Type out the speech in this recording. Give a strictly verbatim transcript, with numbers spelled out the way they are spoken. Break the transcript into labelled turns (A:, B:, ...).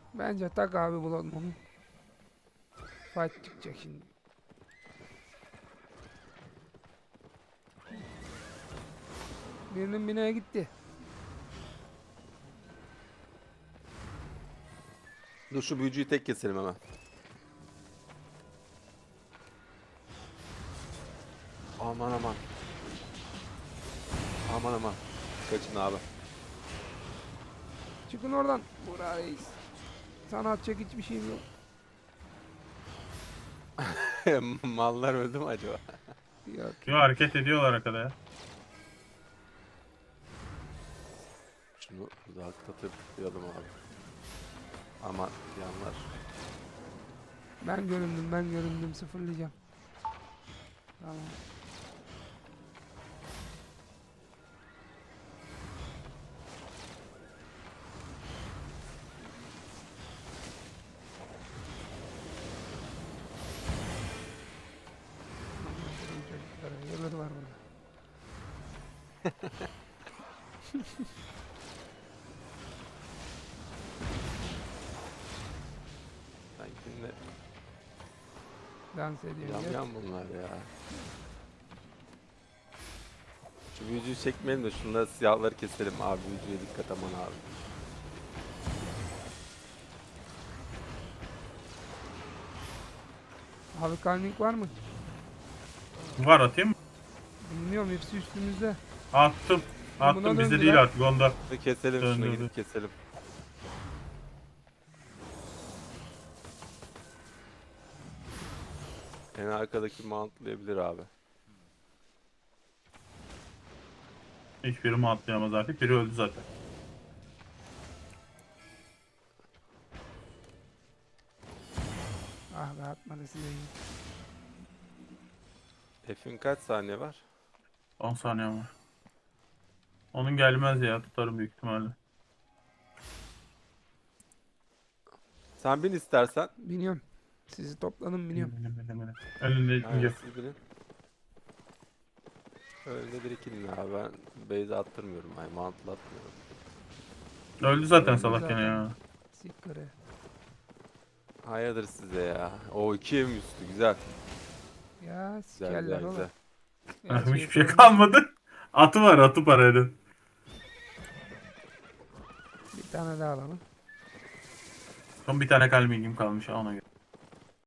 A: Bence tak abi bulalım onu. Fight çıkacak şimdi. Birinin binaya gitti.
B: Dur şu büyücüyü tek keselim hemen. Aman aman. Aman aman. Kaçın abi.
A: Çıkın oradan. Burak Reis. Sana atacak hiçbir şeyim yok.
B: Mallar öldü mü acaba?
A: Yok.
C: Yo, hareket ediyorlar arkada ya.
B: Şunu uzaktatıp tıklayalım abi. Aman yanlar.
A: Ben göründüm ben göründüm sıfırlayacağım. Tamam. Yılları var burada.
B: Sanki ne
A: Dans ediyor.
B: yan
A: Gel.
B: yan bunlar ya. Şu büyücüyü çekmeyelim de şunları siyahları keselim abi. Büyücüye dikkat aman abi.
A: Abi kalmik var mı?
C: Var, atayım mı?
A: Bilmiyorum hepsi üstümüzde.
C: Attım. Attım,
A: Buna
C: bizde
A: döndüler.
C: değil artık, onda.
B: Hadi keselim
C: Dön,
B: şunu
C: dön,
B: gidip
C: dön.
B: keselim. En arkadaki mountlayabilir abi.
C: Hiçbiri mi atlayamaz artık? Biri öldü zaten.
A: Ah be atmadı size iyi.
B: F'in kaç saniye var?
C: on saniye var. Onun gelmez ya, tutarım büyük ihtimalle.
B: Sen bin istersen.
A: Biniyorum. Sizi topladım biniyorum.
C: Benim, benim, benim. Önünde
B: Aynen
C: yok.
B: siz binin. Öyle bir iki bin abi ben base attırmıyorum. Ay mountla atmıyorum.
C: Öldü zaten
A: Öldü
C: salak
A: zaten.
C: gene ya.
A: Siktir.
B: Hayırdır size ya. O iki mi üstü güzel.
A: Ya
B: Güzel
A: sikerler
B: güzel
A: oğlum.
B: güzel.
A: Gerçi
C: Hiçbir şey
A: yapıyorum.
C: kalmadı. Atı var, atı para edin.
A: Bir tane daha alalım.
C: Son bir tane kalbim kalmış ha, ona göre.